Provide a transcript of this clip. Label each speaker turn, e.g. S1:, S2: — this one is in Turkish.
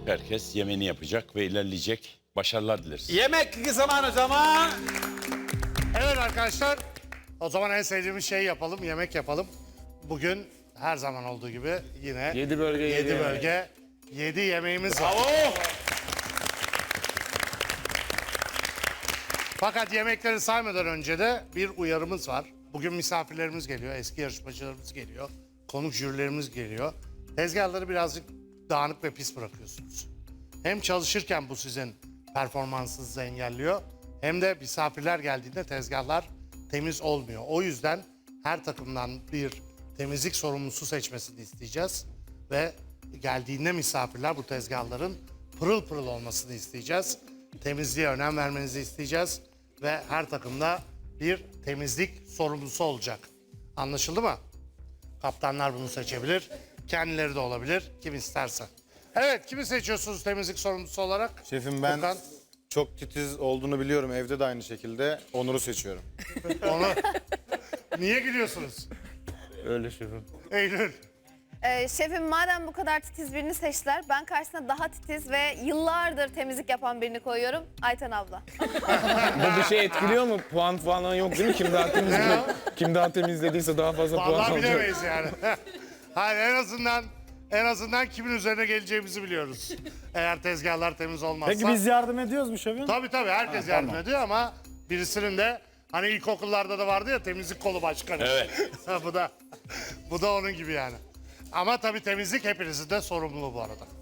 S1: Herkes yemeğini yapacak ve ilerleyecek. Başarılar dileriz.
S2: Yemek zamanı o zaman.
S3: Evet arkadaşlar, o zaman en sevdiğimiz şeyi yapalım, yemek yapalım. Bugün her zaman olduğu gibi yine
S4: 7 bölge, 7
S3: 7 bölge, 7 yemeğimiz var.
S2: Bravo.
S3: Fakat yemekleri saymadan önce de bir uyarımız var. Bugün misafirlerimiz geliyor, eski yarışmacılarımız geliyor, konuk jürilerimiz geliyor. Tezgahları birazcık dağınık ve pis bırakıyorsunuz. Hem çalışırken bu sizin performansınızı engelliyor, hem de misafirler geldiğinde tezgahlar temiz olmuyor. O yüzden her takımdan bir temizlik sorumlusu seçmesini isteyeceğiz. Ve geldiğinde misafirler bu tezgahların pırıl pırıl olmasını isteyeceğiz. Temizliğe önem vermenizi isteyeceğiz. Ve her takımda bir temizlik sorumlusu olacak. Anlaşıldı mı? Kaptanlar bunu seçebilir. Kendileri de olabilir. Kim isterse. Evet, kimi seçiyorsunuz temizlik sorumlusu olarak?
S5: Şefim ben
S3: Furkan.
S5: çok titiz olduğunu biliyorum. Evde de aynı şekilde. Onur'u seçiyorum.
S3: Onu... Niye gülüyorsunuz?
S4: Öyle şefim.
S3: Eylül.
S6: Şefim madem bu kadar titiz birini seçtiler, ben karşısına daha titiz ve yıllardır temizlik yapan birini koyuyorum. Ayten abla.
S4: Bu bir şey etkiliyor mu? Puan falan yok değil mi? Kim daha temizlediyse daha fazla puan
S3: Vallahi
S4: alacak.
S3: bilemeyiz yani. Hayır, en azından kimin üzerine geleceğimizi biliyoruz. Eğer tezgahlar temiz olmazsa.
S7: Peki biz yardım ediyoruz mu şefim?
S3: Tabii herkes yardım ediyor ama birisinin de hani ilkokullarda da vardı ya temizlik kolu başkanı.
S1: Evet.
S3: bu da onun gibi yani. Ama tabii temizlik hepinizin de sorumluluğu bu arada.